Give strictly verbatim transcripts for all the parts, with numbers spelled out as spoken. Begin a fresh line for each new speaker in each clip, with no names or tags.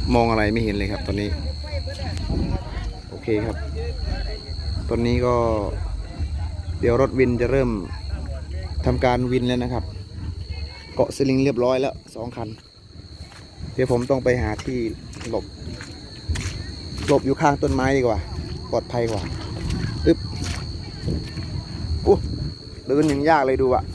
มองอะไรไม่เห็นเลยครับตอนนี้โอเคครับตอนนี้ก็เดี๋ยวรถวินจะเริ่มทำการวินแล้วนะครับเกาะสลิงเรียบร้อยแล้วสองคันเดี๋ยวผมต้องไปหาที่หลบหลบอยู่ข้างต้นไม้ดีกว่าปลอดภัยกว่าอึ๊บอู้เดินอย่างยากเลยดูอะ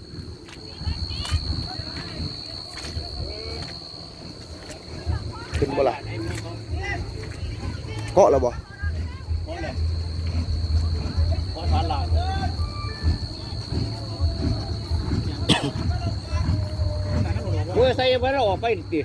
ขึ้นบ่ล่ะเกาะแล้วบ่
เมื่อใส่ไปเราออกไปดิ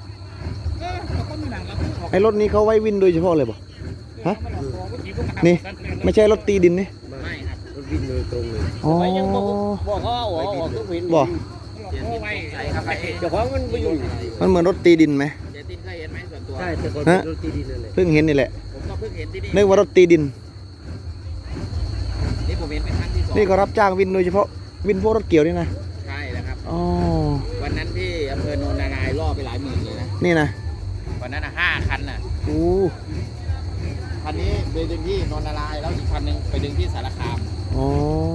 ไอ้รถนี้เขาไว้วินโดยเฉพาะเลยบ่ฮะนี่ไม่ใช่รถตีดินนี่
ไม่ครับ
รถวิ่งโดยตรงเลย
อ๋อ
ไปยังบอกบอกเขาเอาออกออกทุกวิน
บ่
ใส่ครับเดี๋ยวของมันไปอยู่
มันเหมือนรถตีดินไหม
เจตินเคยเห็นไหมส่วนตัว
ใช่แต่ก่อนเป็นรถตีดินนั่นแหละ
เพิ่งเห็นนี่แหละ
ผมก็เพิ่งเห็นที่นี่
นึกว่ารถตีดิน
นี่ผมเห็นเป็นครั้งที่สอง
นี่ก็รับจ้างวินโดยเฉพาะวินพวกรถเกี่ยวนี่นะ
ใช่แล้วครับ
อ๋อ
วันนั้นที่อำเภอโนนนารายล่อไปหลายหมื่นเลยนะ
นี่นะ
วันนั้นอ่ะห้าคันน่ะ
อู้
คันนี้ไปดึงที่โนนนารายแล้วอีกคันหนึงไปดึงที่สารคาม
อ๋อ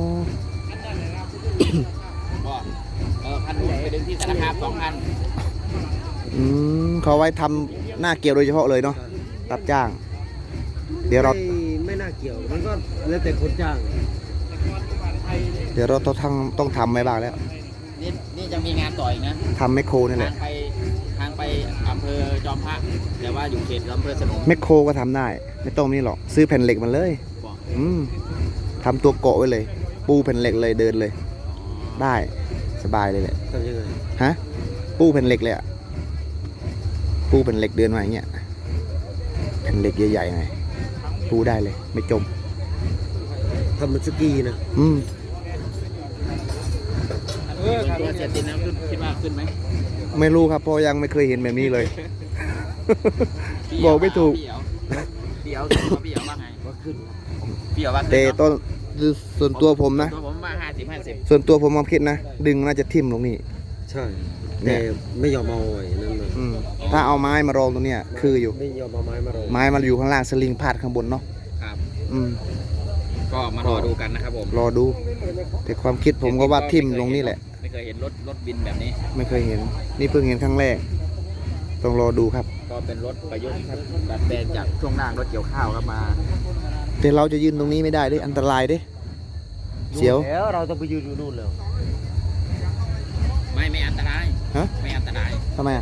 ก็เออคันนู้นไปดึงที่สารคามสองคัน
อืมเขาไว้ทำหน้าเกี่ยวโดยเฉพาะเลยเนาะรับจ้าง เดี๋ยวเรา
ไม่ไม่น่าเกี่ยวมันก็แล้วแต่คนจ้าง
เดี๋ยวเราต้องทำต้องทำไว้บ้างแล้ว
นี่นี่จะมีงานต่ออีกนะ
ทำแมคโครนี่แห
ทา
ละ
งไปทางไปอำเภอจอมพระแต่ว่าอยู่เขตอำเภอสนม
แมคโครก็ทำได้ ไม่ต้องนี่หรอกซื้อแผ่นเหล็กมันเลย
บอก
อืมทำตัวเกาะไว้เลย ปูแผ่นเหล็กเลยเดินเลย ได้สบายเลยแหละ
ทำยังไง
ฮะปูแผ่นเหล็กเลยอะปูแผ่นเหล็กเดินมาอย่างเงี้ยแผ่นเหล็กใหญ่ๆไงปูได้เลย ไม่จม
ทำมันสกีนะ
อืม
เออตัวเสียตินน้ำขึ้นคิดว่าขึ้นไหม
ไม่รู้ครับเพราะยังไม่เคยเห็นแบบนี้เลย บอกไม่ถูก
พี่เอ๋วพี่เอ๋วพี่เอ๋วว่าไง
ว่าขึ้น
พี่เอ๋วว่าขึ้น
แต่
เนาะ
ต้นส่วนตัวผมนะ
ตัวผมว่าห้าสิบห้าสิบ
ส่วนตัวผมมองคิดนะ ดึงน่าจะทิ่มลงนี่
ใช่
เนี่
แต่
ย
ไม่ยอมเอาไอ้นั่นมา
อืมถ้าเอาไม้มารองตรงเนี้ยคืออยู่
ไม่ยอมเอาไม้มารอง
ไม้มันอยู่ข้างล่างสลิงพาดข้างบนเนาะ
ครับ
อืม
ก็มารอดูกันนะครับผม
รอดู แต่ความคิดผมก็ว่าทิ่มลงนี่แหละ
ไม่เคยเห็นรถรถบินแบบนี้
ไม่เคยเห็น นี่เพิ่งเห็นครั้งแรก ต้องรอดูครับ
ก็เป็นรถประยุกต์ครับดัดแปลงจากช่วงล่างรถเกี่ยวข้าวครับมา
แต่เราจะยืนตรงนี้ไม่ได้ด้วยอันตรายด้วยเสียว
แล้วเราต้องไปยืนอยู่นู่นแล้ว
ไม่ไม่อันตราย
ฮะ
ไม่อันตราย
ทำไมอ่ะ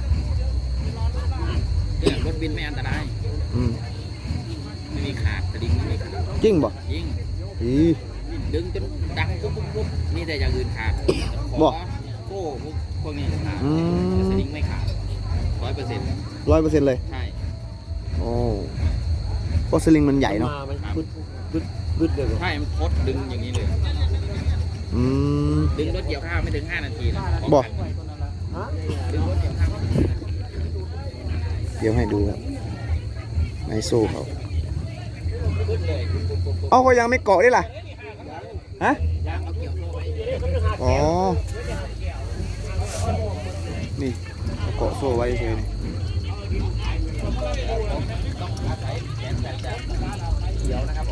เนี่ยรถบินไม่อันตราย
อืม
ไม่มีขาดสลิงไม่มีขาด
จริงบ่
ยิง
อี
ดึงจนดังปุ๊บปุ๊บปุ๊บนี่แต่อย่างอื่นขาด
บ่
ขอโซ่พวกพวกนี้ขาด
อืม
แต่สลิงไม่ขาดร้อยเปอร์เซ็นต์
ร้อยเปอร์เซ็นต์เลย
ใช่
โอ้เพราะสลิงมันใหญ่เนาะ
มามันบึดบึดบึดเลยบอก
ใช่มันพดดึงอย่างนี้เลย
อืม
ดึงรถเกี่ยวข้าวไม่ถึงห้านาทีนะ
บ่
ฮะ
ดึงรถเกี่ยวข้าวไม่ถึงห้านาที
เดี๋ยวให้ดูครับในโซ่เขา
ขึ้นเลยปุ๊บปุ๊บปุ๊บปุ๊บ
เอาก็ยังไม่เกาะได้ล่ะ ฮะ
ยางเอาเกี่ยวโซ่ไว้
อ๋อ นี่เอาเกาะโซ่ไว้เฉยๆนี่
ต้องอาศัยแขนแบบจะเขียวนะครับผม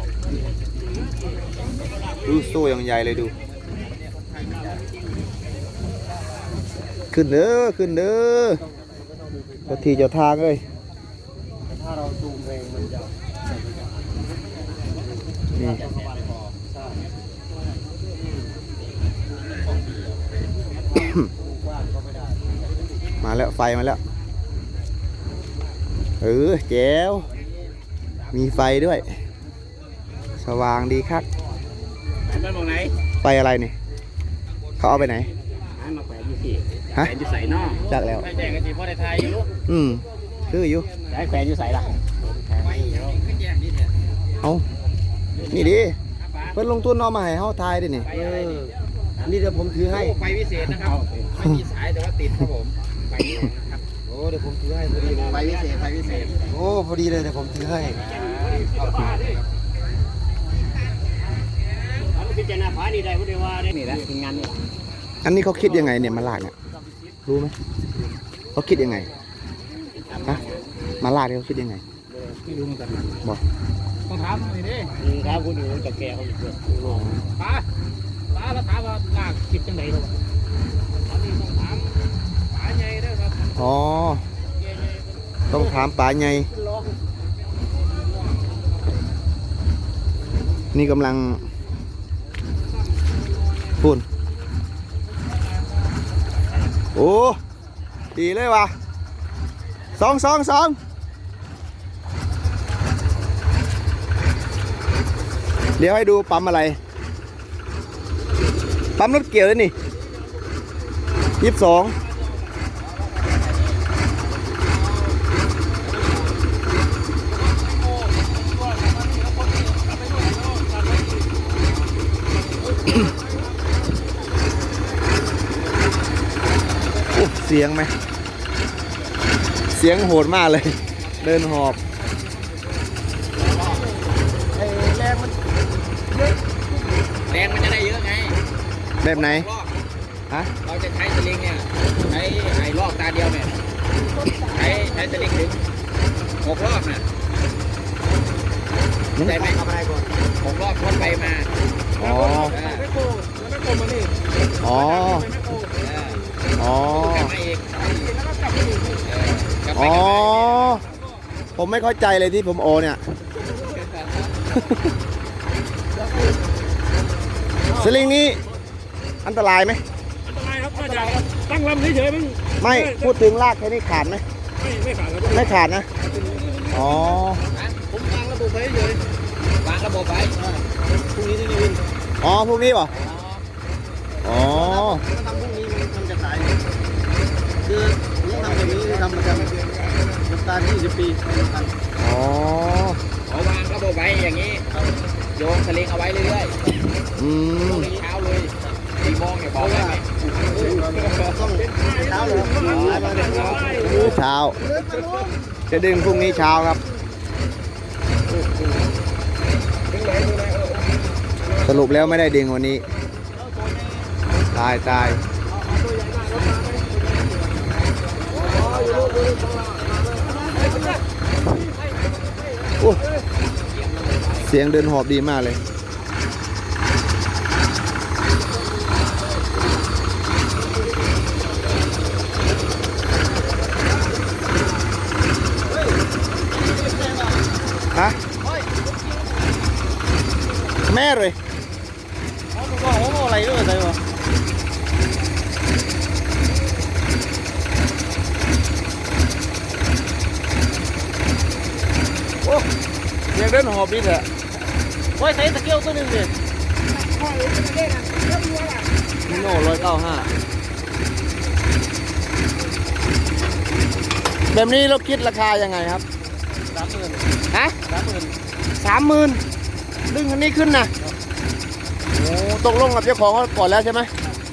ดูโซ่อย่างใหญ่เลยดู ขึ้นเด้อ ขึ้นเด้อเจ้าที่เจ้าทางเลย
ถ้าเราจูงแรงมันจะ
นี่ มาแล้วไฟมาแล้ว เออแจ๋วมีไฟด้วย สว่างดีครับ
มันบอกไหน
ไฟอะไรนี่เขาเอาไปไหน
ให้มาแขวนอยู่ที่
ฮะ
แขวนอยู่ใส่นอก
จักแล้ว
ไม่แจ้งกันจีพ่อในไทยอยู่
อืมคืออยู่
จะให้แขวนอยู่ใส่ละไม่ไม่แจ้งนี่เถอะ
เอานี่ดิเพิ่นลงทุนเอามาให้เฮาทายดินี่
ไฟ
เอ
อะไร
อ
นี่
อันนี้เดี๋ยวผมถือให้
โอ้ไฟวิเศษนะครับไม่มีสายแต่ว่าติดครับผมไฟวิเศษนะครับ
โอ้เดี๋ยวผมถือให้พอดีเลย
ไฟวิเศษไฟวิเศษ
โอ้พอดีเลยเดี๋ยวผมถือให้
พิจารณาฟ้านี่ได้พูดได้ว่าได้นี่แหละทีมงานนี่แหละ
อันนี้เขาคิดยังไงเนี่ยมาลากเนี่ยรู้ไหมเขาคิดยังไงฮะมาลาดเขาคิดยังไง
ไม่รู้เหมือนกัน
บอก
ต้องถามหน่อยดิถามคุณอยู่กับแกเขาอยู่ด้วยป้าป้าแล้วถามว่าลากคิดจังไหนหรออันนี้ต้องถามป้าใหญ่ด้วยครับ
อ๋อต้องถามป๋าไงนี่กำลังพูนโอ้ดีเลยว่ะสองสองสองเดี๋ยวให้ดูปั๊มอะไรปั๊มรถเกี่ยวเลยนี่ยี่สิบสองเสียงไหมเสียงโหดมากเลย เดินหอบแรงมัน
แรงมันจะได้เยอะไง
แบบไหน
รอบ
ฮะ
เราจะใช้สลิงเนี่ยใช้ไอ้รอบตาเดียวเนี่ยใช้ใช้สลิงถึงหกรอบน่ะใช่ไหมทำอะไรก่อนหกรอบทวนไปมา
อ๋อ
ไม่โกงไม่โกงมานี่
อ๋อ
ไม่โกง
อ๋อ
กลับมาอีกแล้วก็กลับมาอีกกลับไป
อ๋อ
กลับมา
ผมไม่เข้าใจเลยที่ผมโอเนี่ย สลิงนี้อันตรายไหม
อันตรายครับน่าจะตั้งลำเฉยๆมัน
ไม่พูดถึงลากแค่นี้ขาดไหม
ไม่ไม่ขาดครับ
ไม่ขาดนะ อ๋อ
ผมวางระบบไว้เฉยวางระบบไว้พรุ่งนี้ที่นี่วิน
อ๋อ พวกนี้ป่ะอ๋อ
ถ้าทำพวกนี้มันมันจะขายคือผมทำแบบนี้คือทำประจำประมาณยี่สิบปีไม่ทัน
อ๋อ
เอาวางระบบไว้อย่างนี้โยงสลิงเอาไว้เรื่อย
อื
ๆพ
ม
รุ่งนี้เช้าเลยสี่โมงเนี่ยบอกได้ไหม
ต้องเช้าเลยครับ
เช้า จะดึงพรุ่งนี้เช้าครับ สรุปแล้วไม่ได้ดึงวันนี้ ตายตายโอ้เสียงเดินหอบดีมากเลย ฮะ แม่เลย
ก็โอ้โหอะไรด้วยใช่ไหม
โอ้เสียงเดินหอบดีแหละ
โอ้ยใส่ตะเกียบตัวหนึ่งเลยมิโน่ร้อยเก้าห้า
แบบนี้เราคิดราคายังไงครับ
สามหมื่น
ฮะ
สามหมื่น
สามหมื่นดึงคันนี้ขึ้นนะโอ้ตกลงกับเจ้าของเขาก่อนแล้วใช่ไหม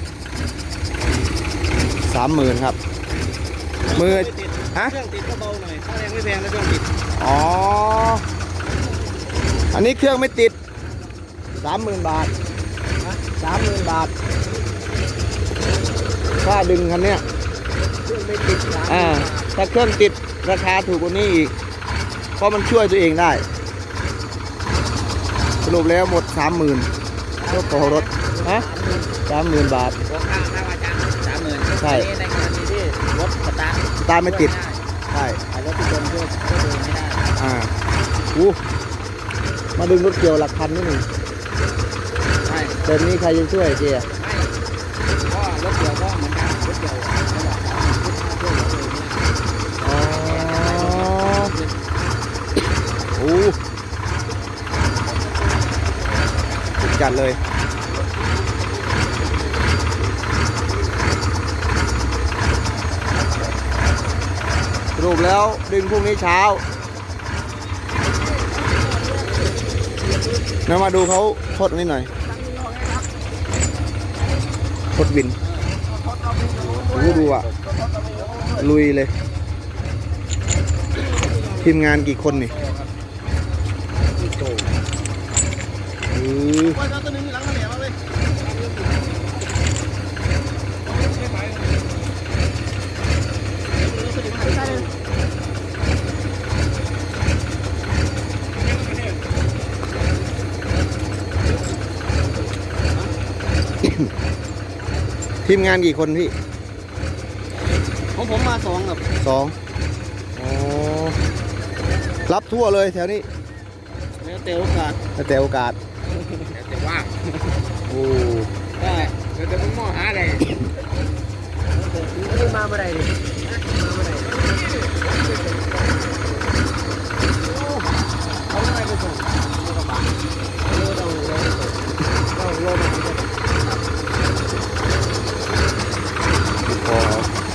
สามหมื่นครับ มือฮะ
เครื่องติดก็เบาหน่อยค่าแรงไม่แพงนะเครื่องติด
อ๋อ อันนี้เครื่องไม่ติดสามหมื่นบาทสามหมื่นบาทค่าดึงคันเนี้ย
เครื่องไม่ติดนะ
อ่าถ้าเครื่องติดราคาถูกกว่านี้อีก เพราะมันช่วยตัวเองได้ สรุปแล้วหมดสามหมื่นรถต่อรถฮะสามหมื่นบาท
หัวข้างหน้าว่าจ้างสามหมื่น
ใช่
ในกรณีที่รถสตาร์ท
สตาร์ทไม่ติด ใช่
ไอ้รถที่โดนช่วยช่วยดูไม่ได้
อ่าอู้มาดึงรถเกี่ยวหลักพันนี่หนึ่ง
ใช่
แต่นี้ใครจะช่วยเจีย
ไม่ก็รถเกี่ยวก็เหมือนกันรถเกี่ยวไม่หรอกช่วยเหลือตัวเอง
อ๋อโอ้สุดจัดเลย สรุปแล้วดึงพรุ่งนี้เช้าเรามาดูเขาทดนิดหน่อยทดวินโอ้ดูอ่ะ ลุยเลย ทีมงานกี่คนนี่อือ
โอ้ยเอาตัวหนึ่งหลังมาเหนียวมาเลย
ทีมงานกี่คนพี่
ของผมมาสองครับ
สองอ๋อรับทั่วเลยแถวนี้
แล้วแต่โอกาส
แล้วแต่โอกาส
แต่ว่า
โอ้
ได้
เราจะต้องมองหาอะไร
นี่มาเมื่อไหร่ดิมาเมื่อไหร่เขาไม่ได้ไปส่งกระบะเราเราเราเราเรา
พอ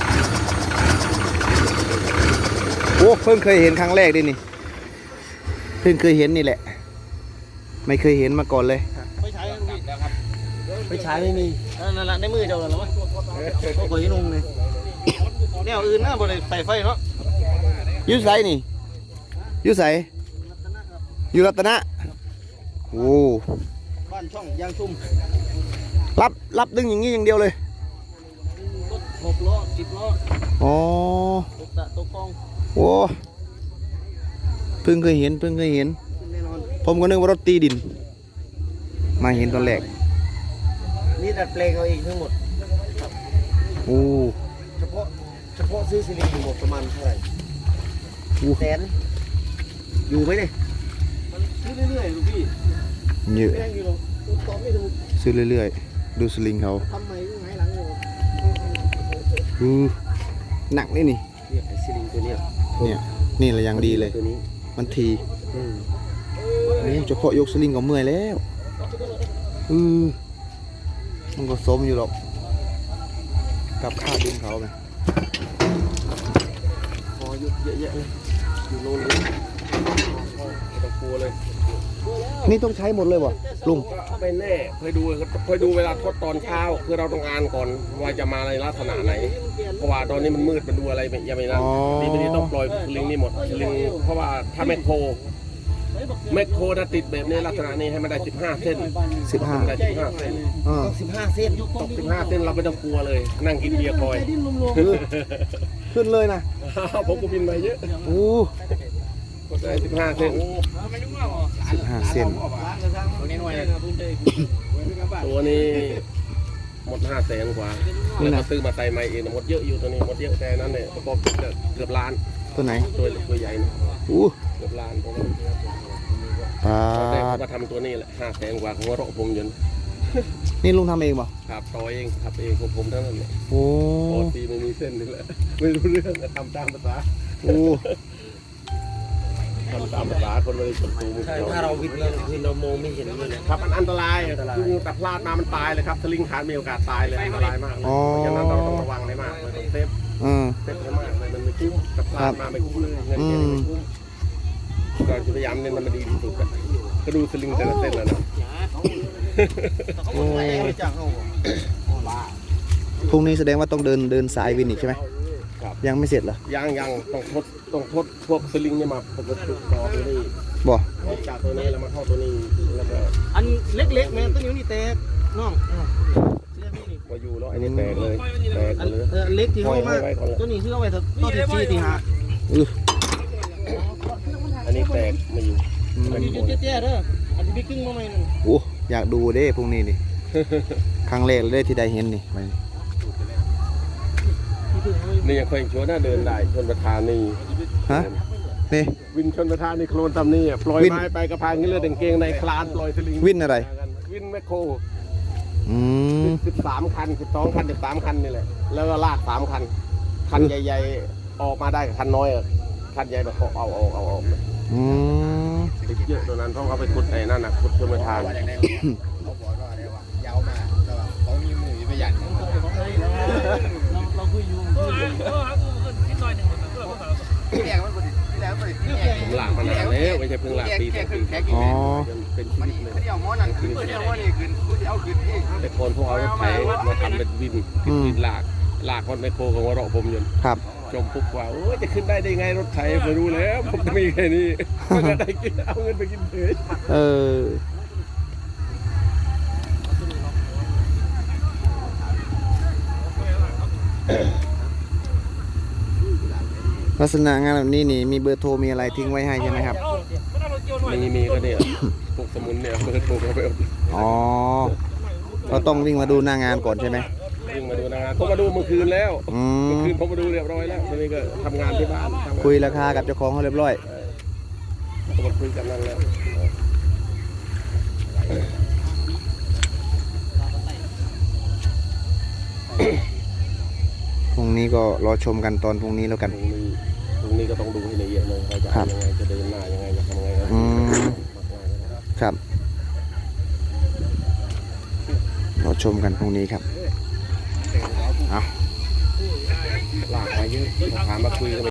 โอ้เพิ่งเคยเห็นครั้งแรกดินี่เพิ่งเคยเห็นนี่แหละ ไม่เคยเห็นมาก่อนเลย
ไปใช้แล้วครับไปใช้ไม่มีนั่นแหละในมือเจ้าแล้วมั้งก็ขอยนุ่งเลยแนวอื่นนะบริใส่ไฟเนาะ
อยูไสนี่อยูไสอยู่รัตนะโอ้
บ้านช่องยางชุ่ม
รับรับดึงอย่างนี้อย่างเดียวเลย
รถหกล้อสิบล้อ
อ๋อ
ตกตะตกคลอง
โอ้เพิ่งเคยเห็นเพิ่งเคยเห็น
แน่นอน
ผมก็นึกว่ารถตีดิน มาเห็นตอนแรก
นี่ดัดแปลงเอาเองทั้งหมด
โอ้
เฉพาะเฉพาะซื้อซีรีส์หมดประมาณเท่าไหร่
โอ้
แสนอยู่ไหมเนี่ยมันซื้อเรื่อยๆลูกพี่
เยอะ
แพงอยู่หรอกตอบไม่ถูก
ซื้อเรื่อยๆดูสลิงเขา
ทำไมยังไงหลังอยู่
อือหนักนี่นี่
เนี่ยไอ้ซีรีส์ตัวเนี้ย
เนี่ยนี่แหละอย่างดีเลย
ตัวนี้
มันที
อืม
โอ้เฉพาะยกสลิงก็เมื่อยแล้วอือมันก็สมอยู่หรอกกับค่าดินเขาไง
พออยู่เยอะๆเลยอยู่โน่นเลย
ต้องกลัวเลย
นี่ต้องใช้หมดเลยวะลุง
ไม่แน่เคยดูเคยดูเวลาทดตอนเช้าคือเราต้องอ่านก่อนว่าจะมาในลักษณะไหนเพราะว่าตอนนี้มันมืดมันดูอะไรไม่ยังไม่นั่นดีไม่ดีต้องปล่อยสลิงนี่หมดสลิงเพราะว่าถ้าแมคโครแมคโครถ้าติดแบบนี้ลักษณะนี้ให้มันได้สิบห้าเส้น
สิบห้า
ได้สิบห้าเส้น
อ่า
ต้องสิบห้าเส้น
ตกสิบห้าเส้นเราไม่ต้องกลัวเลย นั่งกินเบียร์คอย
ดิ้นรวม
ขึ้นเลยนะ
ผมก็บินมาเยอะ
โอ้
ก็ได้สิบห้าเส้น
สิบห้าเซน
ตัวนี้หน่วย
ตัวนี้หมดห้าแสนกว่าแล้วก็ซื้อมาใส่ใหม่เองหมดเยอะอยู่ตัวนี้หมดเยอะแต่นั้นเนี่ยประกอบเกือบล้าน
ตัวไหน
ตัวตัวใหญ่นะ
อู้
เกือบล้านตัวนั้น
ปลา
แต่ผมมาทำตัวนี้แหละห้าแสนกว่าของเราะผมยนต์
นี่ลุงทำเองป่ะ
ครับต่อเองขับเองของผมทั้งนั้นเลย
โอ้
ปกติไม่มีเส้นนี่แหละไม่รู้เรื่องก็ทำตามภาษา
โอ้
ทำตามภาษาคนไม่ได้จดตูม
ใช่ถ้าเราวิทย์เราคือเรามองไม่เห็นเลยนะครับ
มันอันตรายคือแต่พลาดมามันตายเลยครับสลิงขาดมีโอกาสตายเลยอันตรายมากเลยเพราะฉะนั้นเราต้องระวังให้มากเลยต้องเซฟ
อืม
เซฟให้มากเลยมันไม่คุ้มแต่พลาดมาไม่คุ้มเลยเงินเก็บไม่คุ้มก็พยายามเน้นมันมาดีที่สุดอะก็ดูสลิงแต่ละเส้นแล้วนะ
โอ้
ไม่จังเอา
พรุ่งนี้แสดงว่าต้องเดินเดินสายวินอีกใช่ไหม
ครับ
ยังไม่เสร็จเหรอ
ยังยังต้องทดต้องทดพวกสลิงเนี่ยมาประกบต่อตัวนี้
บ่
ออกจากตัวนี้แล้วมาเข้าตัวนี้แล้วก็
อันเล็กๆแม่ต้นนิ้วนี่แตกน้อง
มาอยู่แล้วไอ้นี่แตกเลยแตก
อัน
เลย
เออเล็กที่เข้ามาต้นนี้คือเอาไว้ต้นที่สี่ที่ห้า
อือ
อันนี้แตกมาอยู่
อืม
อันนี้จุดเจ๊ๆเด้ออันที่พี่ครึ่งมาใหม่นึง
โอ้อยากดูเด้พรุ่งนี้นี่ ครั้งแรกเลยที่ได้เห็นนี่ไป
นี่ยังเคยชวนหน้าเดินได้ชนประธานนี่
ฮะนี่
วินชนประธานนี่โคลนตำนี่อะปล่อย
วิน
ไม้ไปกระพางนี่เลือดเก่งในคลานปล่อยสลิง
วินอะไร
วินแมคโคร
อืม
สิบสามคันสิบสองคันสิบสามคันนี่แหละแล้วก็ลากสามคัน คันใหญ่ๆออกมาได้กับคันน้อยอะคันใหญ่แบบเอาเอาเอาเอา
อืม
ติดเยอะตัวนั้นเพราะเขาไปขุดไอ้นั่นน่ะขุดชนประธาน
เขาบอกว่าได้ว่ายาวมากแต่ว่าเขามีมือประหยัด
เราคุยอยู่
ที่แรกมันกดที่แรกมันกดที่แรก
ผมลากมานานแล้วไม่ใช่เพิ่งลากปีสองปี
อ๋อ
จนเป็นชี
มัน
วิตเลย
เขาเดียวม้อนั่นขึ้นเขาเดียวม้อนี่ขึ้นเขาเดียวขึ้นนี่
แต่คนพวกเอารถไถมาทำเป็นวินขึ้นวินลากลากคนไมโครของวเราะผมยนต์
ครับ
ชมปุ๊บว่าโอ้ยจะขึ้นได้ได้ไงรถไถผมรู้แล้วผมจะมีแค่นี้ไม่ได้กินเอาเงินไปกินเฉย
เออลักษณะงานแบบนี้นี่มีเบอร์โทรมีอะไรทิ้งไว้ให้ใช่ไหมครับ
มีมีก็เนี่ยพวกสมุนเนี่ยเบอร์โทรเขาไปเอา
อ๋อเราต้องวิ่งมาดูหน้างานก่อนใช่ไหม
มจึงมาดูหนางานผมมาดูเมื่อคืนแล้ว
อื
เมื่อ
ม
คืนผมมาดูเรียบร้อยแล้วทีนี้ก็ทำงานที่บ้านทำงาน
คุยราคากับเจ้าของเขาเรียบร้อย
ก็มาคุยกันนั่นแล้ว
พรุ่งนี้ก็รอชมกันตอนพรุ่งนี้แล้วกัน
ตรงนี้ตรงนี้ก็ต้องดูให้ละเอียดเลยเราจะ
ครั
เอา
บ
ยังไงจะเดินหน้ายังไงจะทำยังไง
อืมครับรอชมกันพรุ่งนี้ครับเอา
หลากมาเยอะถามมาคุยกัน